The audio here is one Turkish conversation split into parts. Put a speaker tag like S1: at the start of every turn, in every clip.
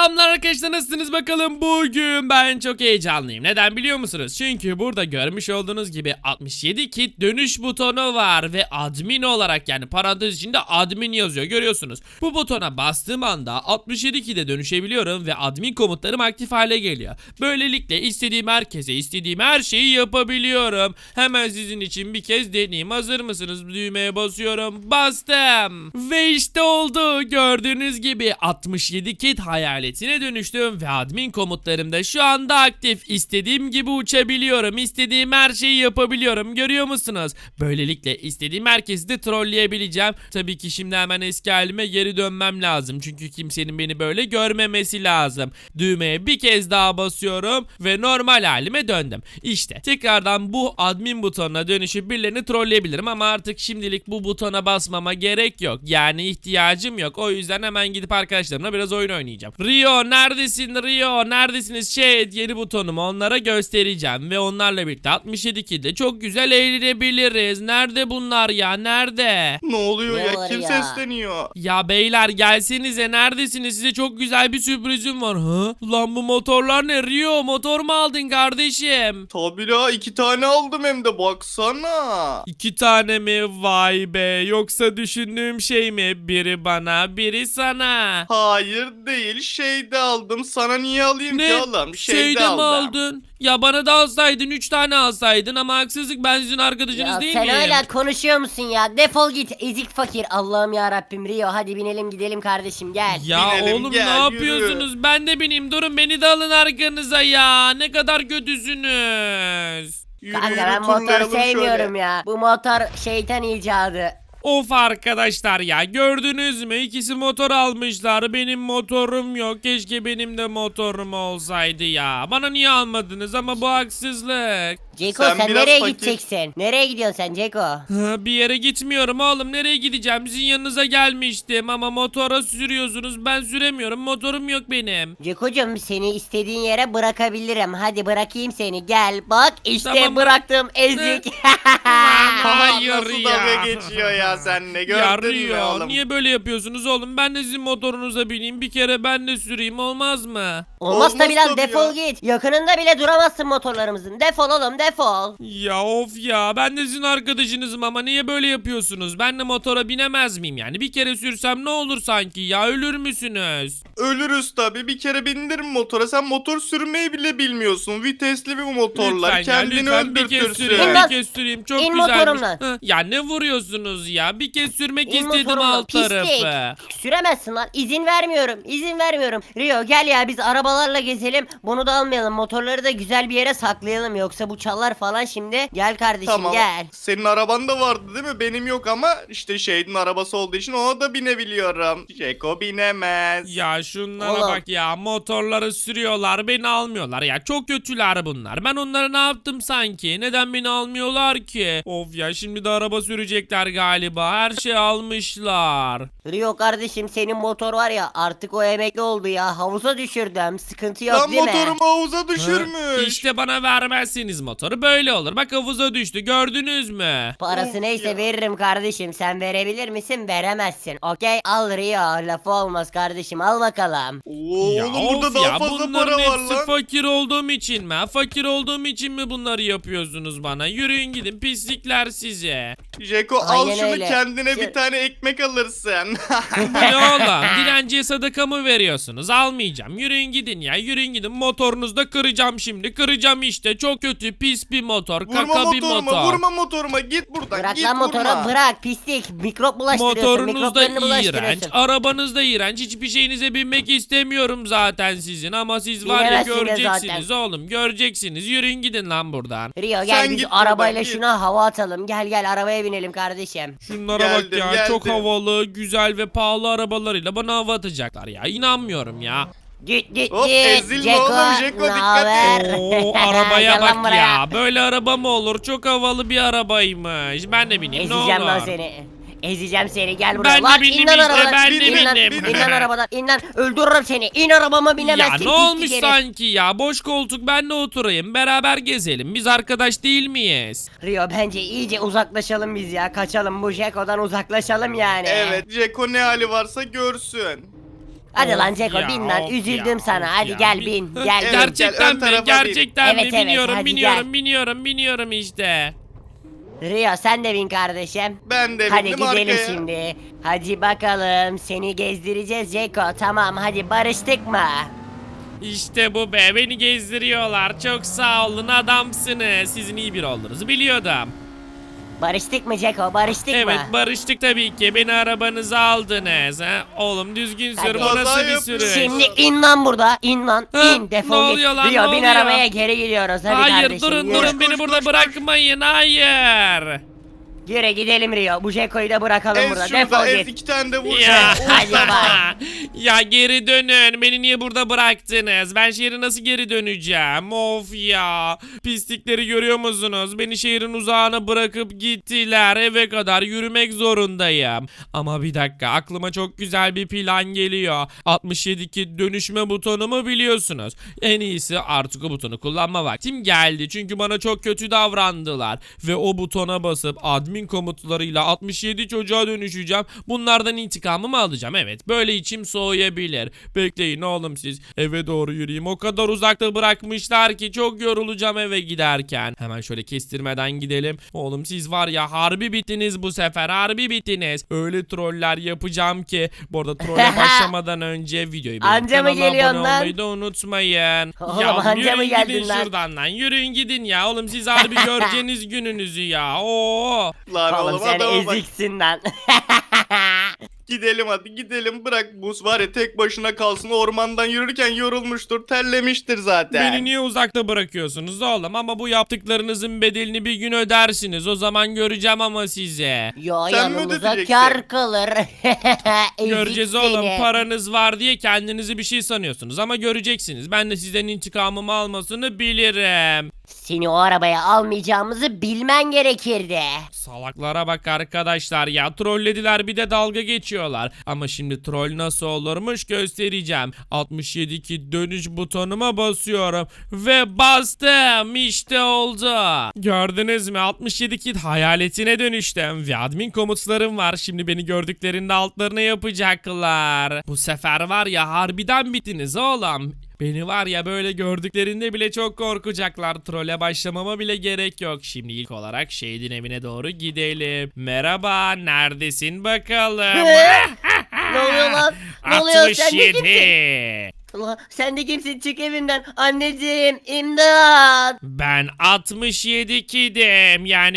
S1: Selamlar arkadaşlar, nasılsınız bakalım? Bugün ben çok heyecanlıyım. Neden biliyor musunuz? Çünkü burada görmüş olduğunuz gibi 67 kit dönüş butonu var ve admin olarak, yani parantez içinde admin yazıyor, görüyorsunuz. Bu butona bastığım anda 67 kite dönüşebiliyorum ve admin komutlarım aktif hale geliyor. Böylelikle istediğim herkese istediğim her şeyi yapabiliyorum. Hemen sizin için bir kez deneyeyim. Hazır mısınız? Düğmeye basıyorum. Bastım. Ve işte oldu. Gördüğünüz gibi 67 kit hayaletine dönüştüm ve admin komutlarım da şu anda aktif. İstediğim gibi uçabiliyorum. İstediğim her şeyi yapabiliyorum. Görüyor musunuz? Böylelikle istediğim herkesi de trolleyebileceğim. Tabii ki şimdi hemen eski halime geri dönmem lazım. Çünkü kimsenin beni böyle görmemesi lazım. Düğmeye bir kez daha basıyorum ve normal halime döndüm. İşte tekrardan bu admin butonuna dönüşüp birilerini trolleyebilirim ama artık şimdilik bu butona basmama gerek yok. Yani ihtiyacım yok. O yüzden hemen gidip arkadaşlarımla biraz oyun oynayacağım. Rio neredesin? Rio neredesiniz? Yeni butonumu onlara göstereceğim ve onlarla birlikte 67 kilde çok güzel eğlenebiliriz. Nerede bunlar ya? Nerede?
S2: Ne oluyor
S3: Ne
S2: ya?
S3: var
S2: Kim
S3: ya?
S2: sesleniyor?
S1: Ya beyler gelsenize, neredesiniz? Size çok güzel bir sürprizim var. Ha? Lan bu motorlar ne? Rio motor mu aldın kardeşim?
S2: Tabii la 2 tane aldım hem de baksana.
S1: 2 tane mi? Vay be. Yoksa düşündüğüm şey mi? Biri bana, biri sana.
S2: Hayır değil şey de aldım. Sana niye alayım ki oğlum? Şey de
S1: Şeyde mi
S2: aldım.
S1: aldın? Ya bana da alsaydın, 3 tane alsaydın ama haksızlık, ben sizin arkadaşınız
S3: Ya
S1: değil
S3: sen
S1: miyim?
S3: hala konuşuyor musun ya? Defol git ezik fakir. Allah'ım ya Rabbim Rio hadi binelim gidelim kardeşim gel.
S1: Ya
S2: Binelim,
S1: oğlum
S2: gel,
S1: ne
S2: yürü.
S1: yapıyorsunuz? Ben de bineyim, durun, beni de alın arkanıza ya. Ne kadar kötüsünüz.
S2: Yürü,
S3: Kanka
S2: yürü,
S3: ben motor
S2: turlayalım
S3: sevmiyorum
S2: şöyle.
S3: ya. Bu motor şeytan icadı.
S1: Of arkadaşlar ya, gördünüz mü? İkisi motor almışlar. Benim motorum yok. Keşke benim de motorum olsaydı ya. Bana niye almadınız? Ama bu haksızlık.
S3: Ceko
S2: Sen
S3: sen
S2: biraz
S3: nereye
S2: fakir.
S3: gideceksin? Nereye gidiyorsun sen Ceko?
S1: Ha, bir yere gitmiyorum oğlum. Nereye gideceğim? Sizin yanınıza gelmiştim ama motora sürüyorsunuz. Ben süremiyorum. Motorum yok benim.
S3: Ceko'cum seni istediğin yere bırakabilirim. Hadi bırakayım seni gel. Bak işte
S1: Tamam.
S3: bıraktım ezik.
S1: Hayır
S2: Nasıl
S1: ya.
S2: dalga geçiyor ya seninle
S1: Ya
S2: gördün mü
S1: Rio,
S2: oğlum?
S1: niye böyle yapıyorsunuz oğlum? Ben de sizin motorunuza bineyim. Bir kere ben de süreyim, olmaz mı?
S3: Olmaz tabi lan
S2: tabii
S3: defol
S2: ya.
S3: git. Yakınında bile duramazsın motorlarımızın. Defol oğlum defol.
S1: Ya of ya, ben de sizin arkadaşınızım ama niye böyle yapıyorsunuz? Ben de motora binemez miyim yani? Bir kere sürsem ne olur sanki ya, ölür müsünüz?
S2: Ölürüz tabii. Bir kere bindirim motora. Sen motor sürmeyi bile bilmiyorsun. Vitesli bir motorlar.
S1: Lütfen ya,
S2: Kendini
S1: lütfen bir kez
S2: öldürtürsün.
S1: süreyim,
S3: İn
S1: bir kez süreyim, çok
S3: İn
S1: güzelmiş.
S3: motorumdan.
S1: Hı, ya ne vuruyorsunuz ya? Bir kez sürmek
S3: İn
S1: istedim
S3: motorumdan,
S1: alt tarafı.
S3: pislik. Süremezsin lan. İzin vermiyorum. İzin vermiyorum. Rio gel ya biz arabalarla gezelim. Bunu da almayalım. Motorları da güzel bir yere saklayalım. Yoksa bu çalar falan şimdi. Gel kardeşim
S2: Tamam.
S3: gel.
S2: Senin araban da vardı değil mi? Benim yok ama işte şeyin arabası olduğu için ona da binebiliyorum. Jeko binemez.
S1: Ya şunlara
S3: Oğlum.
S1: bak ya, motorları sürüyorlar, beni almıyorlar ya, çok kötüler bunlar. Ben onlara ne yaptım sanki? Neden beni almıyorlar ki? Of ya, şimdi de araba sürecekler galiba, her şey almışlar.
S3: Rio kardeşim senin motor var ya artık o emekli oldu ya. Havuza düşürdüm. Sıkıntı yok
S2: Lan
S3: değil mi?
S2: motorumu havuza
S1: Ha,
S2: düşürmüş.
S1: İşte bana vermezseniz motoru böyle olur. Bak havuza düştü, gördünüz mü?
S3: Parası
S2: Of
S3: neyse
S2: ya.
S3: veririm kardeşim. Sen verebilir misin? Veremezsin. Okey al Rio. Lafı olmaz kardeşim. Al bakalım.
S2: Oo,
S1: Ya
S2: oğlum burada
S1: of
S2: daha
S1: ya,
S2: fazla
S1: bunların
S2: para var
S1: hepsi
S2: lan.
S1: fakir olduğum için mi? Fakir olduğum için mi bunları yapıyorsunuz bana? Yürüyün gidin pislikler size.
S2: Jeko al
S3: Aynen
S2: şunu
S3: öyle.
S2: kendine
S3: Şey-
S2: bir tane ekmek alırsın.
S1: Bu ne oğlum? Dilenciye sadaka mı veriyorsunuz? Almayacağım. Yürüyün gidin ya. Yürüyün gidin. Motorunuzu da kıracağım şimdi. Kıracağım işte. Çok kötü. Pis bir motor.
S2: Vurma
S1: Kaka bir
S2: motoruma,
S1: motor.
S2: vurma motoruma. Git buradan.
S3: Bırak
S2: git
S3: lan motoru
S2: vurma.
S3: bırak pislik. Mikrop bulaştırıyorsun.
S1: Motorunuz da
S3: Mikroplarını
S1: iğrenç.
S3: bulaştırıyorsun.
S1: Arabanız da iğrenç. Hiçbir şeyinize binmek istemiyorum zaten sizin. Ama siz var ya,
S3: Binemezsiniz
S1: göreceksiniz
S3: zaten.
S1: oğlum. Göreceksiniz. Yürüyün gidin lan buradan.
S3: Rio gel
S2: Sen
S3: biz
S2: git
S3: arabayla
S2: buradan, git.
S3: şuna hava atalım. Gel gel arabaya binelim kardeşim.
S1: Şunlara bak
S2: Geldim,
S1: ya.
S2: geldim.
S1: Çok havalı, güzel ve pahalı arabalarıyla bana hava atacaklar ya. İnanmıyorum ya.
S3: Git git
S2: Hop,
S3: git.
S2: ezilme oğlum, Jeko, dikkat et.
S3: naber?
S1: Oo, arabaya
S3: Gel lan
S1: bak
S3: buraya.
S1: ya. Böyle araba mı olur? Çok havalı bir arabaymış. Ben de bineyim, ne
S3: Ezeceğim
S1: olur.
S3: lan seni. Ezeceğim seni gel buraya.
S1: Ben de
S3: Lan
S1: bindim
S3: in lan
S1: işte,
S3: arabadan.
S1: ben
S2: de
S3: İn lan,
S1: bindim.
S3: İn lan arabadan in lan. Öldürürüm seni. İn arabama
S1: Ya
S3: binemezsin.
S1: ne
S3: pislik
S1: olmuş
S3: herif.
S1: sanki ya? Boş koltuk, ben de oturayım. Beraber gezelim. Biz arkadaş değil miyiz?
S3: Rio bence iyice uzaklaşalım biz ya. Kaçalım bu Jeko'dan uzaklaşalım yani.
S2: Evet Jeko ne hali varsa görsün.
S3: Hadi lan
S1: Of
S3: Ceko
S1: ya,
S3: bin lan.
S1: of
S3: Üzüldüm
S1: ya,
S3: sana.
S1: of
S3: Hadi
S1: ya.
S3: gel bin. Gel.
S2: Evet,
S1: Gerçekten
S2: ön
S1: mi?
S2: tarafa bin.
S1: Gerçekten mi?
S3: Evet, evet,
S1: Biniyorum,
S3: hadi
S1: biniyorum,
S3: gel.
S1: biniyorum işte.
S3: Rio sen de bin kardeşim.
S2: Ben de
S3: Hadi
S2: bindim
S3: gidelim
S2: arkaya.
S3: şimdi. Hadi bakalım seni gezdireceğiz Ceko. Tamam hadi barıştık mı?
S1: İşte bu be, beni gezdiriyorlar. Çok sağ olun, adamsınız. Sizin iyi bir olduğunuzu biliyordum.
S3: Barıştık mı Ceko? Barıştık
S1: Evet,
S3: mı?
S1: barıştık tabii ki. Beni arabanıza aldınız. Ha? Oğlum düzgün sür,
S3: Hadi.
S1: bu nasıl
S2: Kaza
S1: bir
S2: yapıyorsun.
S1: sürüş?
S3: Şimdi in lan burada. İn lan.
S1: Ha,
S3: İn. Defol
S1: ne
S3: git.
S1: oluyor lan,
S3: Rio
S1: ne
S3: bin
S1: oluyor?
S3: arabaya geri gidiyoruz. Hadi
S1: Hayır,
S3: kardeşim.
S1: durun
S3: yürü.
S1: durun, beni
S2: Koş,
S1: burada
S2: koş,
S1: bırakmayın. Hayır.
S3: Yürü gidelim Rio. Bu Ceko'yu da bırakalım burada.
S2: Ez şurada
S3: Defol
S2: ez
S3: git.
S2: 2 tane de vur.
S1: Ya,
S3: Hadi bay.
S1: ya geri dönün. Beni niye burada bıraktınız? Ben şehre nasıl geri döneceğim? Of ya. Pislikleri görüyor musunuz? Beni şehrin uzağına bırakıp gittiler. Eve kadar yürümek zorundayım. Ama bir dakika, aklıma çok güzel bir plan geliyor. 67'ki dönüşme butonumu biliyorsunuz. En iyisi artık o butonu kullanma vaktim geldi. Çünkü bana çok kötü davrandılar. Ve o butona basıp admin komutlarıyla 67 çocuğa dönüşeceğim. Bunlardan intikamımı alacağım. Evet, böyle içim soğuyabilir. Bekleyin oğlum siz. Eve doğru yürüyeyim. O kadar uzakta bırakmışlar ki çok yorulacağım eve giderken. Hemen şöyle kestirmeden gidelim. Oğlum siz var ya, harbi bittiniz bu sefer. Harbi bittiniz. Öyle troller yapacağım ki. Bu arada trolle başlamadan önce videoyu beğenip
S3: Anca mı
S1: kanala
S3: geliyorsun
S1: abone
S3: lan?
S1: olmayı da unutmayın.
S3: Oğlum,
S1: ya
S3: anca
S1: yürüyün
S3: mı geldin
S1: gidin
S3: lan?
S1: şuradan lan. Yürüyün gidin ya. Oğlum siz harbi göreceğiniz gününüzü ya. Oo.
S2: Lan
S3: Oğlum
S2: oğlum
S3: sen
S2: adama bak.
S3: eziksin lan.
S2: Gidelim hadi gidelim. Bırak buz var ya tek başına kalsın. Ormandan yürürken yorulmuştur. Terlemiştir zaten.
S1: Beni niye uzakta bırakıyorsunuz oğlum? Ama bu yaptıklarınızın bedelini bir gün ödersiniz. O zaman göreceğim ama size.
S3: Yo
S2: Sen mi
S3: yanımıza
S2: ödeyeceksin?
S3: kar kalır. Ezik
S1: Göreceğiz oğlum.
S3: seni.
S1: Paranız var diye kendinizi bir şey sanıyorsunuz. Ama göreceksiniz. Ben de sizden intikamımı almasını bilirim.
S3: Seni o arabaya almayacağımızı bilmen gerekirdi.
S1: Salaklara bak arkadaşlar ya, trollediler bir de dalga geçiyorlar. Ama şimdi troll nasıl olurmuş göstereceğim. 67 ki dönüş butonuma basıyorum ve bastım, işte oldu. Gördünüz mü, 67 kit hayaletine dönüştüm ve admin komutlarım var. Şimdi beni gördüklerinde altlarına yapacaklar. Bu sefer var ya, harbiden bittiniz oğlum. Beni var ya, böyle gördüklerinde bile çok korkacaklar. Trole başlamama bile gerek yok. Şimdi ilk olarak Shade'in evine doğru gidelim. Merhaba, neredesin bakalım?
S3: Ne oluyor lan? Ne oluyor? Sen de kimsin?
S1: 67.
S3: Ulan sen de kimsin? Çık evimden. Anneciğim imdat.
S1: Ben 67 kidim, yani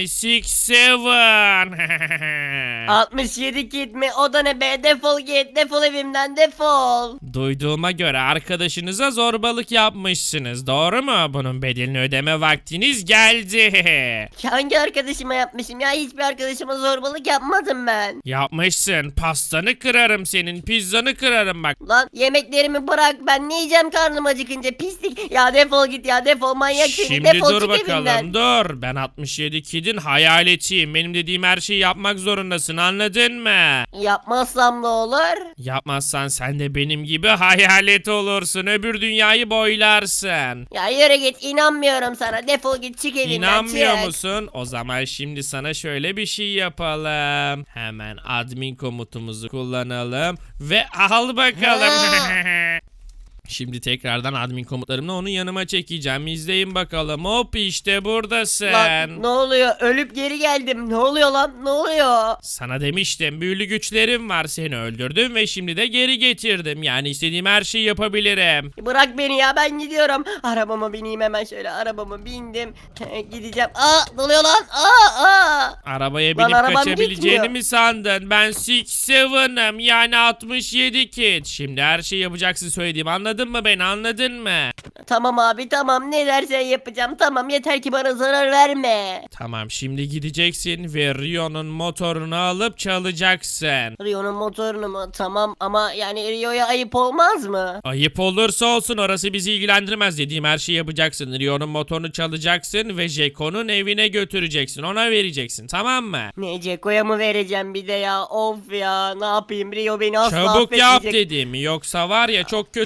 S1: 67.
S3: 67 kit mi? O da ne be? Defol git. Defol evimden defol.
S1: Duyduğuma göre arkadaşınıza zorbalık yapmışsınız, doğru mu? Bunun bedelini ödeme vaktiniz geldi.
S3: Hangi arkadaşıma yapmışım ya? Hiçbir arkadaşıma zorbalık yapmadım ben.
S1: Yapmışsın. Pastanı kırarım senin. Pizzanı kırarım bak.
S3: Lan yemeklerimi bırak. Ben ne yiyeceğim karnım acıkınca? Pislik. Ya defol git ya. Defol manyak seni.
S1: Şimdi
S3: Defol
S1: dur
S3: çık
S1: bakalım.
S3: evimden.
S1: Dur. Ben 67 kidin hayaletiyim. Benim dediğim her şeyi yapmak zorundasın. Anladın mı?
S3: Yapmazsam ne olur?
S1: Yapmazsan sen de benim gibi hayalet olursun. Öbür dünyayı boylarsın.
S3: Ya yürü git. İnanmıyorum sana. Defol git. Çık evimden.
S1: İnanmıyor
S3: çık.
S1: musun? O zaman şimdi sana şöyle bir şey yapalım. Hemen admin komutumuzu kullanalım ve al bakalım. Şimdi tekrardan admin komutlarımla onu yanıma çekeceğim. İzleyin bakalım. Hop, işte buradasın.
S3: Lan ne oluyor? Ölüp geri geldim. Ne oluyor lan? Ne oluyor?
S1: Sana demiştim, büyülü güçlerim var, seni öldürdüm ve şimdi de geri getirdim. Yani istediğim her şeyi yapabilirim.
S3: Bırak beni ya, ben gidiyorum. Arabama bineyim hemen, şöyle arabama bindim. Gideceğim. Aa, ne oluyor lan? Aa.
S1: Arabaya
S3: Lan
S1: binip
S3: arabam
S1: kaçabileceğini
S3: gitmiyor.
S1: mi sandın? Ben 67'ım, yani 67 kid. Şimdi her şeyi yapacaksın söylediğim, anladın mı beni, anladın mı?
S3: Tamam abi tamam, ne dersen yapacağım. Tamam, yeter ki bana zarar verme.
S1: Tamam, şimdi gideceksin ve Rio'nun motorunu alıp çalacaksın.
S3: Rio'nun motorunu mu? Tamam ama yani Rio'ya ayıp olmaz mı?
S1: Ayıp olursa olsun, orası bizi ilgilendirmez. Dediğim her şeyi yapacaksın. Rio'nun motorunu çalacaksın ve Jeko'nun evine götüreceksin. Ona vereceksin, tamam mı?
S3: Ne, Ceko'ya mı vereceğim bir de ya? Of ya, ne yapayım, Rio beni asla
S1: Çabuk yap
S3: affetmeyecek.
S1: dediğimi, yoksa var ya çok kötü olur.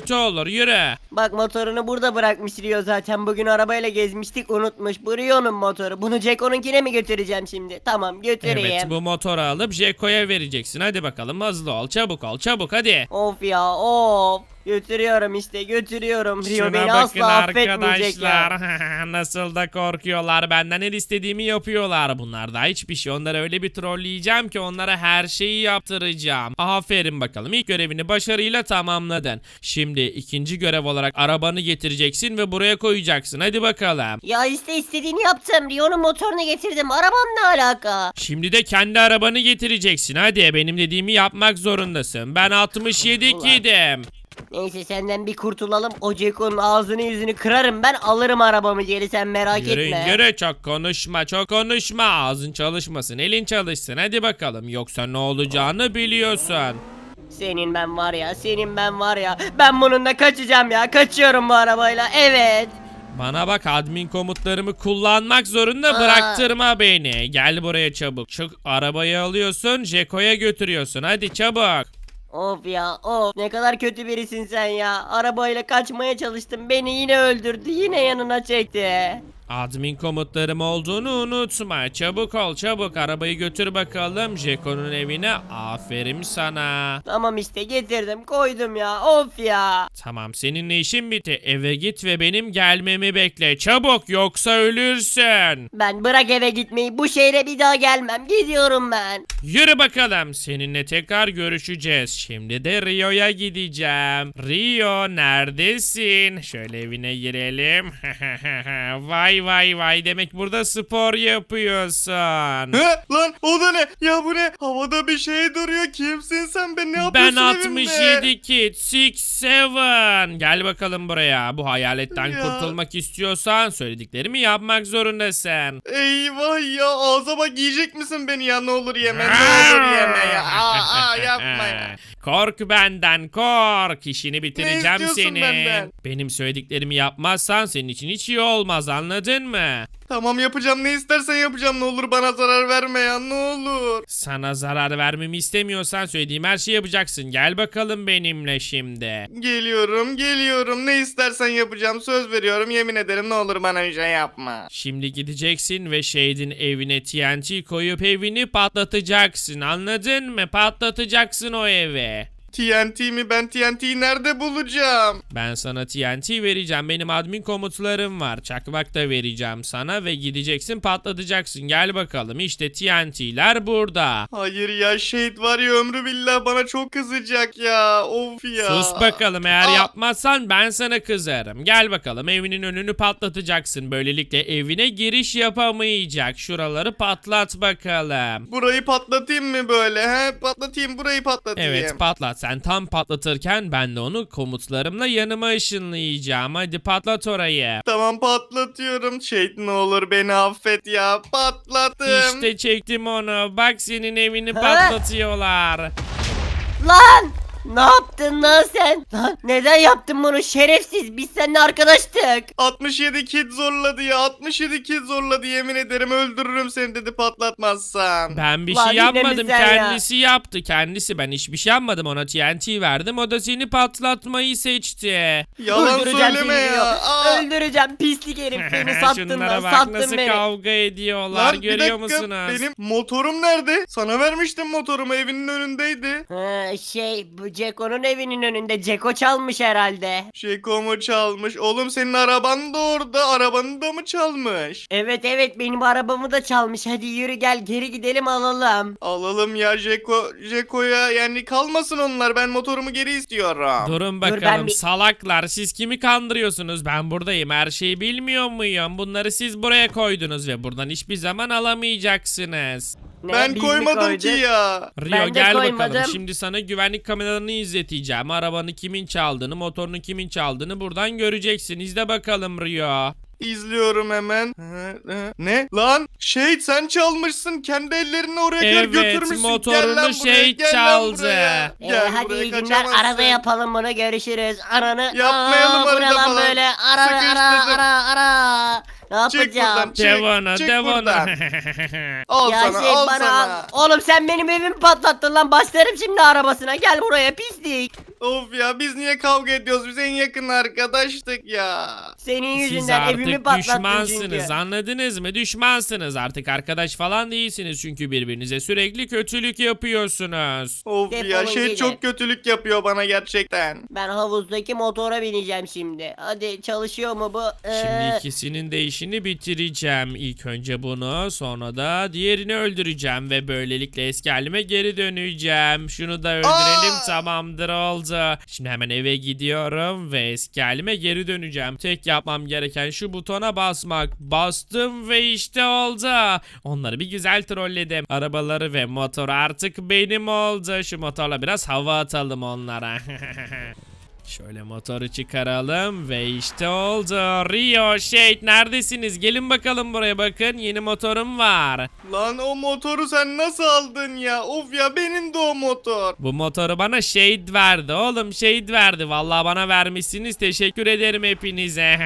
S1: motor yürü.
S3: Bak motorunu burada bırakmış Rio zaten. Bugün arabayla gezmiştik unutmuş. Bu Rio'nun motoru. Bunu Ceko'nunkine mi götüreceğim şimdi? Tamam götüreyim.
S1: Evet bu motoru alıp Jeko'ya vereceksin. Hadi bakalım hızlı ol çabuk ol çabuk hadi.
S3: Of ya of. Götürüyorum işte götürüyorum. Rio
S1: Şuna
S3: beni
S1: bakın
S3: asla affetmeyecek ya.
S1: arkadaşlar. Nasıl da korkuyorlar. Benden her istediğimi yapıyorlar. Bunlar da hiçbir şey. Onları öyle bir trolleyeceğim ki onlara her şeyi yaptıracağım. Aferin bakalım. İlk görevini başarıyla tamamladın. Şimdi ikinci görev olarak arabanı getireceksin ve buraya koyacaksın. Hadi bakalım.
S3: Ya işte istediğini yaptım. Rio'nun motorunu getirdim. Arabam ne alaka?
S1: Şimdi de kendi arabanı getireceksin. Hadi benim dediğimi yapmak zorundasın. Ben 67
S3: Ulan.
S1: kidim.
S3: Neyse senden bir kurtulalım. O Ceko'nun ağzını yüzünü kırarım ben alırım arabamı geri sen merak
S1: Yürü
S3: etme.
S1: yürü çok konuşma çok konuşma ağzın çalışmasın elin çalışsın hadi bakalım yoksa ne olacağını biliyorsun.
S3: Senin ben var ya senin ben var ya. Ben bununla kaçacağım ya kaçıyorum bu arabayla evet.
S1: Bana bak admin komutlarımı kullanmak zorunda
S3: Aa.
S1: bıraktırma beni. Gel buraya çabuk. Çık arabayı alıyorsun Jeko'ya götürüyorsun hadi çabuk.
S3: Of ya of ne kadar kötü birisin sen ya. Arabayla kaçmaya çalıştım beni yine öldürdü yine yanına çekti.
S1: Admin komutlarım olduğunu unutma. Çabuk ol çabuk arabayı götür bakalım Jeko'nun evine. Aferin sana.
S3: Tamam işte getirdim koydum ya of ya.
S1: Tamam seninle işin bitti. Eve git ve benim gelmemi bekle. Çabuk yoksa ölürsün.
S3: Ben bırak eve gitmeyi bu şehre bir daha gelmem gidiyorum ben.
S1: Yürü bakalım. Seninle tekrar görüşeceğiz. Şimdi de Rio'ya gideceğim. Rio neredesin? Şöyle evine girelim. Vay vay vay demek burada spor yapıyorsun.
S2: He lan o da ne? Ya bu ne? Havada bir şey duruyor. Kimsin sen? Ben ne
S1: Ben
S2: yapıyorsun evimde?
S1: 67 kid 67. Gel bakalım buraya. Bu hayaletten
S2: Ya.
S1: kurtulmak istiyorsan söylediklerimi yapmak zorundasın.
S2: Eyvah ya ağza bak yiyecek misin beni ya ne olur yeme ne olur yeme ya. Yapma ya.
S1: Kork benden kork. İşini bitireceğim
S2: istiyorsun
S1: seni.
S2: benden?
S1: Benim söylediklerimi yapmazsan senin için hiç iyi olmaz anladın mı?
S2: Tamam yapacağım ne istersen yapacağım ne olur bana zarar verme ya ne olur.
S1: Sana zarar vermemi istemiyorsan söylediğim her şeyi yapacaksın. Gel bakalım benimle şimdi.
S2: Geliyorum ne istersen yapacağım söz veriyorum yemin ederim ne olur bana bir şey yapma.
S1: Şimdi gideceksin ve Shade'in evine TNT koyup evini patlatacaksın. Anladın mı? Patlatacaksın o evi.
S2: TNT mi ben TNT'yi nerede bulacağım?
S1: Ben sana TNT vereceğim. Benim admin komutlarım var. Çakmak da vereceğim sana ve gideceksin patlatacaksın. Gel bakalım. İşte TNT'ler burada.
S2: Hayır ya Shade var ya ömrü billah bana çok kızacak ya of ya.
S1: Sus bakalım. Eğer
S2: Aa.
S1: yapmazsan ben sana kızarım. Gel bakalım. Evinin önünü patlatacaksın. Böylelikle evine giriş yapamayacak. Şuraları patlat bakalım.
S2: Burayı patlatayım mı böyle he? Patlatayım burayı patlatayım.
S1: Evet patlat. Sen tam patlatırken ben de onu komutlarımla yanıma ışınlayacağım. Hadi patlat orayı.
S2: Tamam patlatıyorum. Shade ne olur beni affet ya. Patlattım.
S1: İşte çektim onu. Bak senin evini
S3: Ha?
S1: patlatıyorlar.
S3: Lan! Ne yaptın lan sen? Lan neden yaptın bunu şerefsiz? Biz seninle arkadaştık.
S2: 67 kid zorladı ya. 67 kid zorladı yemin ederim öldürürüm seni dedi patlatmazsan.
S1: Ben bir
S3: Lan
S1: şey
S3: yine mi
S1: yapmadım.
S3: sen ya?
S1: Kendisi yaptı. Kendisi. Ben hiçbir şey yapmadım. Ona TNT verdim. O da seni patlatmayı seçti.
S2: Yalan
S3: Öldüreceğim
S2: söyleme
S3: seni
S2: ya.
S3: Rio.
S2: Aa.
S3: Öldüreceğim pislik herif beni sattın
S1: Şunlara
S3: lan
S1: bak
S3: sattın
S1: nasıl
S3: beni.
S1: kavga ediyorlar.
S2: Lan bir
S1: Görüyor
S2: dakika
S1: musunuz?
S2: benim motorum nerede? Sana vermiştim motorumu evinin önündeydi.
S3: Bu Ceko'nun evinin önünde. Ceko çalmış herhalde.
S2: Şekomu çalmış. Oğlum senin araban da orada. Arabanı da mı çalmış?
S3: Evet benim arabamı da çalmış. Hadi yürü gel geri gidelim alalım.
S2: Alalım ya Jeko'ya yani kalmasın onlar. Ben motorumu geri istiyorum.
S1: Durun
S3: ben
S1: bakalım
S3: bir-
S1: salaklar siz kimi kandırıyorsunuz ben buradayım her şeyi bilmiyor muyum bunları siz buraya koydunuz ve buradan hiçbir zaman alamayacaksınız.
S3: Ne,
S2: Ben
S3: biz mi
S2: koymadım ki
S3: koyduk?
S2: ya.
S1: Rio
S3: Ben de
S1: gel
S3: koymadım.
S1: bakalım şimdi sana güvenlik kameralarını izleteceğim arabanı kimin çaldığını motorunu kimin çaldığını buradan göreceksin izle bakalım Rio.
S2: İzliyorum hemen. Ne? Lan Shade sen çalmışsın. Kendi ellerinle oraya kadar
S1: Evet,
S2: götürmüşsün.
S1: motorunu
S2: Gel lan buraya,
S1: Shade
S2: gel lan
S1: çaldı.
S2: buraya. Gel
S3: Hadi
S2: buraya,
S3: iyi günler
S2: kaçamazsın.
S3: arada yapalım bunu görüşürüz. Ananı
S2: Yapmayalım
S3: bu ne
S2: arada
S3: lan
S2: falan.
S3: böyle ara. Ne
S2: Çık
S3: yapacağım?
S2: buradan, çık,
S1: Devona
S2: çık
S1: devona.
S2: buradan. Al
S3: Ya
S2: sana
S3: şey
S2: al
S3: bana
S2: sana.
S3: oğlum sen benim evimi patlattın lan başlarım şimdi arabasına gel buraya pislik.
S2: Of ya biz niye kavga ediyoruz? Biz en yakın arkadaştık ya.
S3: Senin
S1: Siz
S3: yüzünden evimi
S1: artık
S3: patlattın
S1: düşmansınız,
S3: çünkü.
S1: anladınız mı? Düşmansınız artık, arkadaş falan değilsiniz çünkü birbirinize sürekli kötülük yapıyorsunuz.
S2: Of
S3: Defolun
S2: ya
S3: gidin.
S2: çok kötülük yapıyor bana gerçekten.
S3: Ben havuzdaki motora bineceğim şimdi. Hadi çalışıyor mu bu?
S1: Şimdi ikisinin de işini bitireceğim. İlk önce bunu, sonra da diğerini öldüreceğim ve böylelikle eski halime geri döneceğim. Şunu da öldürelim, tamamdır, oldu. Şimdi hemen eve gidiyorum ve eski halime geri döneceğim. Tek yapmam gereken şu butona basmak. Bastım ve işte oldu. Onları bir güzel trolledim. Arabaları ve motor artık benim oldu. Şu motorla biraz hava atalım onlara. Şöyle motoru çıkaralım ve işte oldu. Rio, Shade neredesiniz? Gelin bakalım buraya, bakın yeni motorum var.
S2: Lan o motoru sen nasıl aldın ya? Of ya benim de o motor.
S1: Bu motoru bana Shade verdi oğlum, Shade verdi. Vallahi bana vermişsiniz, teşekkür ederim hepinize.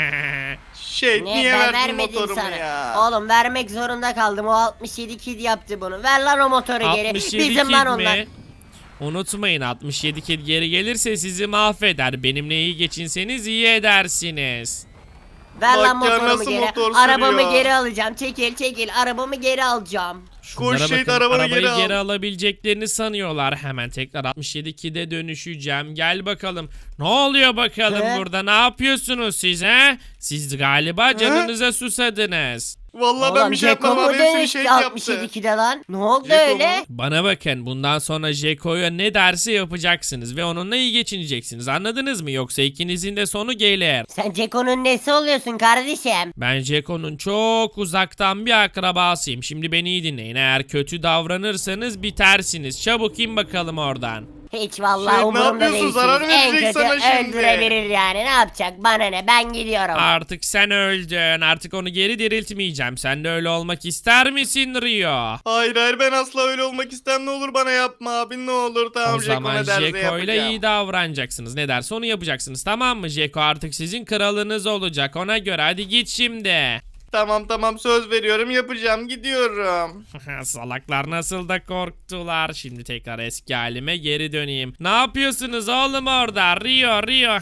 S2: Ne niye
S3: ben
S2: verdin
S3: vermedim
S2: motorumu
S3: sana.
S2: ya?
S3: Oğlum vermek zorunda kaldım. O 67 kid yaptı bunu. Ver lan o motoru geri.
S1: 67
S3: Bizim
S1: kid
S3: lan onlar.
S1: mi? Unutmayın, 67 kid geri gelirse sizi mahveder. Benimle iyi geçinseniz iyi edersiniz.
S3: Ver
S2: Bak
S3: lan
S2: ya,
S3: motorumu
S2: nasıl
S3: geri.
S2: motor
S3: Arabamı
S2: sürüyor.
S3: geri alacağım. Çekil arabamı geri alacağım.
S1: Şunlara
S2: Shade,
S1: bakın,
S2: arabanı
S1: arabayı
S2: geri al.
S1: geri alabileceklerini sanıyorlar. Hemen tekrar 67 kide dönüşeceğim. Gel bakalım. Ne oluyor bakalım
S3: He?
S1: burada? Ne yapıyorsunuz siz he? Siz galiba canınıza susadınız.
S2: Vallahi ben bir şey
S3: Jeko
S2: yapmam
S3: mu
S2: abi hepsini
S3: dönüştü
S2: şey yaptı.
S3: 67'de lan? Ne oldu
S2: Jeko
S3: öyle?
S2: mu?
S1: Bana bakın, bundan sonra Jeko'ya ne derse yapacaksınız ve onunla iyi geçineceksiniz. Anladınız mı? Yoksa ikinizin de sonu gelir.
S3: Sen Ceko'nun nesi oluyorsun kardeşim?
S1: Ben Jeko'nun çok uzaktan bir akrabasıyım. Şimdi beni iyi dinleyin. Eğer kötü davranırsanız bitersiniz. Çabuk in bakalım oradan.
S3: Hiç vallahi
S2: Şey, ne
S3: umurumda
S2: yapıyorsun?
S3: değilsiniz.
S2: Zarar
S3: En
S2: verecek
S3: kötü
S2: sana şimdi.
S3: öldürebilir yani. Ne yapacak? Bana ne? Ben gidiyorum.
S1: Artık sen öldün. Artık onu geri diriltmeyeceğim. Sen de öyle olmak ister misin Rio?
S2: Hayır ben asla öyle olmak istem, ne olur bana yapma abi ne olur, tamam
S1: O
S2: Jeko
S1: zaman
S2: ne derse
S1: Jeko ile
S2: yapacağım.
S1: iyi davranacaksınız. Ne derse onu yapacaksınız, tamam mı? Jeko artık sizin kralınız olacak. Ona göre hadi git şimdi.
S2: Tamam söz veriyorum yapacağım, gidiyorum.
S1: Salaklar nasıl da korktular. Şimdi tekrar eski halime geri döneyim. Ne yapıyorsunuz oğlum orada? Rio.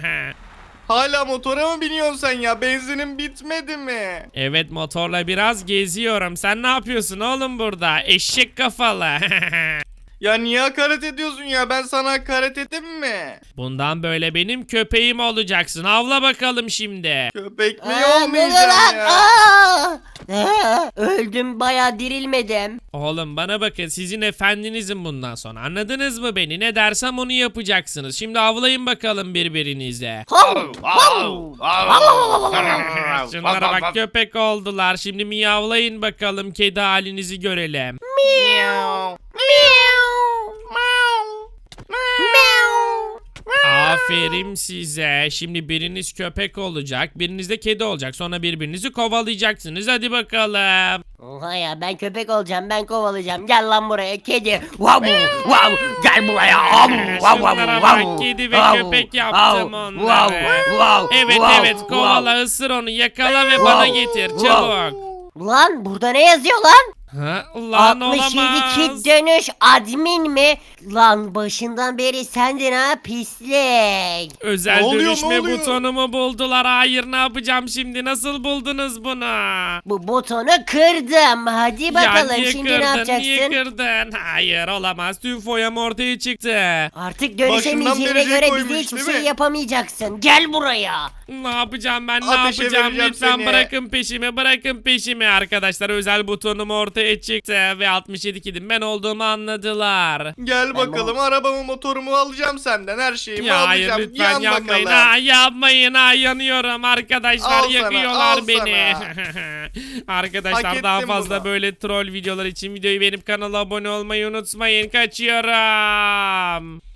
S2: Hala motora mı biniyorsun sen ya, benzinin bitmedi mi?
S1: Evet, motorla biraz geziyorum. Sen ne yapıyorsun oğlum burada? Eşek kafalı.
S2: Ya niye hakaret ediyorsun ya, ben sana hakaret ettim mi?
S1: Bundan böyle benim köpeğim olacaksın. Avla bakalım şimdi.
S2: Köpek mi
S3: Ne oluyor
S2: olmayacağım
S3: lan?
S2: ya?
S3: Öldüm bayağı dirilmedim.
S1: Oğlum bana bakın, sizin efendinizim bundan sonra. Anladınız mı beni? Ne dersem onu yapacaksınız. Şimdi avlayın bakalım birbirinize. Şunlara bak, köpek oldular. Şimdi miyavlayın bakalım, kedi halinizi görelim. Aferin size. Şimdi biriniz köpek olacak, biriniz de kedi olacak. Sonra birbirinizi kovalayacaksınız. Hadi bakalım.
S3: Oha ya, ben köpek olacağım, ben kovalayacağım. Gel lan buraya kedi. Vav vav, gel buraya.
S1: Şunlara bak, kedi ve köpek yaptım onları. Evet, kovala, ısır onu, yakala ve bana getir çabuk.
S3: Lan burada ne yazıyor lan?
S1: Ha, lan
S3: 67
S1: olamaz.
S3: kid dönüş admin mi? Lan başından beri sendin ha pislik.
S1: Özel
S2: Ne oluyor,
S1: dönüşme
S2: ne oluyor?
S1: butonumu buldular. Hayır, ne yapacağım şimdi? Nasıl buldunuz bunu?
S3: Bu butonu kırdım. Hadi bakalım
S1: niye
S3: şimdi
S1: kırdın,
S3: ne yapacaksın?
S1: Niye kırdın? Hayır, olamaz. Tüm foyam ortaya çıktı.
S3: Artık
S2: Başından
S3: dönüşemeyeceğine
S2: beri
S3: göre
S2: koymuş,
S3: bize hiçbir
S2: değil
S3: şey
S2: mi?
S3: yapamayacaksın. Gel buraya.
S1: Ne yapacağım ben? Ne
S2: Ateşe
S1: yapacağım?
S2: vereceğim
S1: Lütfen
S2: seni.
S1: bırakın peşimi. Bırakın peşimi arkadaşlar. Özel butonum ortaya çıktı ve 67 kidim ben olduğumu anladılar.
S2: Gel bakalım, arabamı motorumu alacağım senden, her şeyimi
S1: Ya hayır,
S2: alacağım.
S1: lütfen
S2: Yan
S1: yapmayın.
S2: bakalım.
S1: Ha, yapmayın. Ha, yanıyorum arkadaşlar.
S2: Al sana,
S1: yakıyorlar
S2: al
S1: beni.
S2: Hak
S1: Arkadaşlar daha
S2: ettin
S1: fazla
S2: bunu.
S1: böyle troll videolar için videoyu benim kanala abone olmayı unutmayın. Kaçıyorum.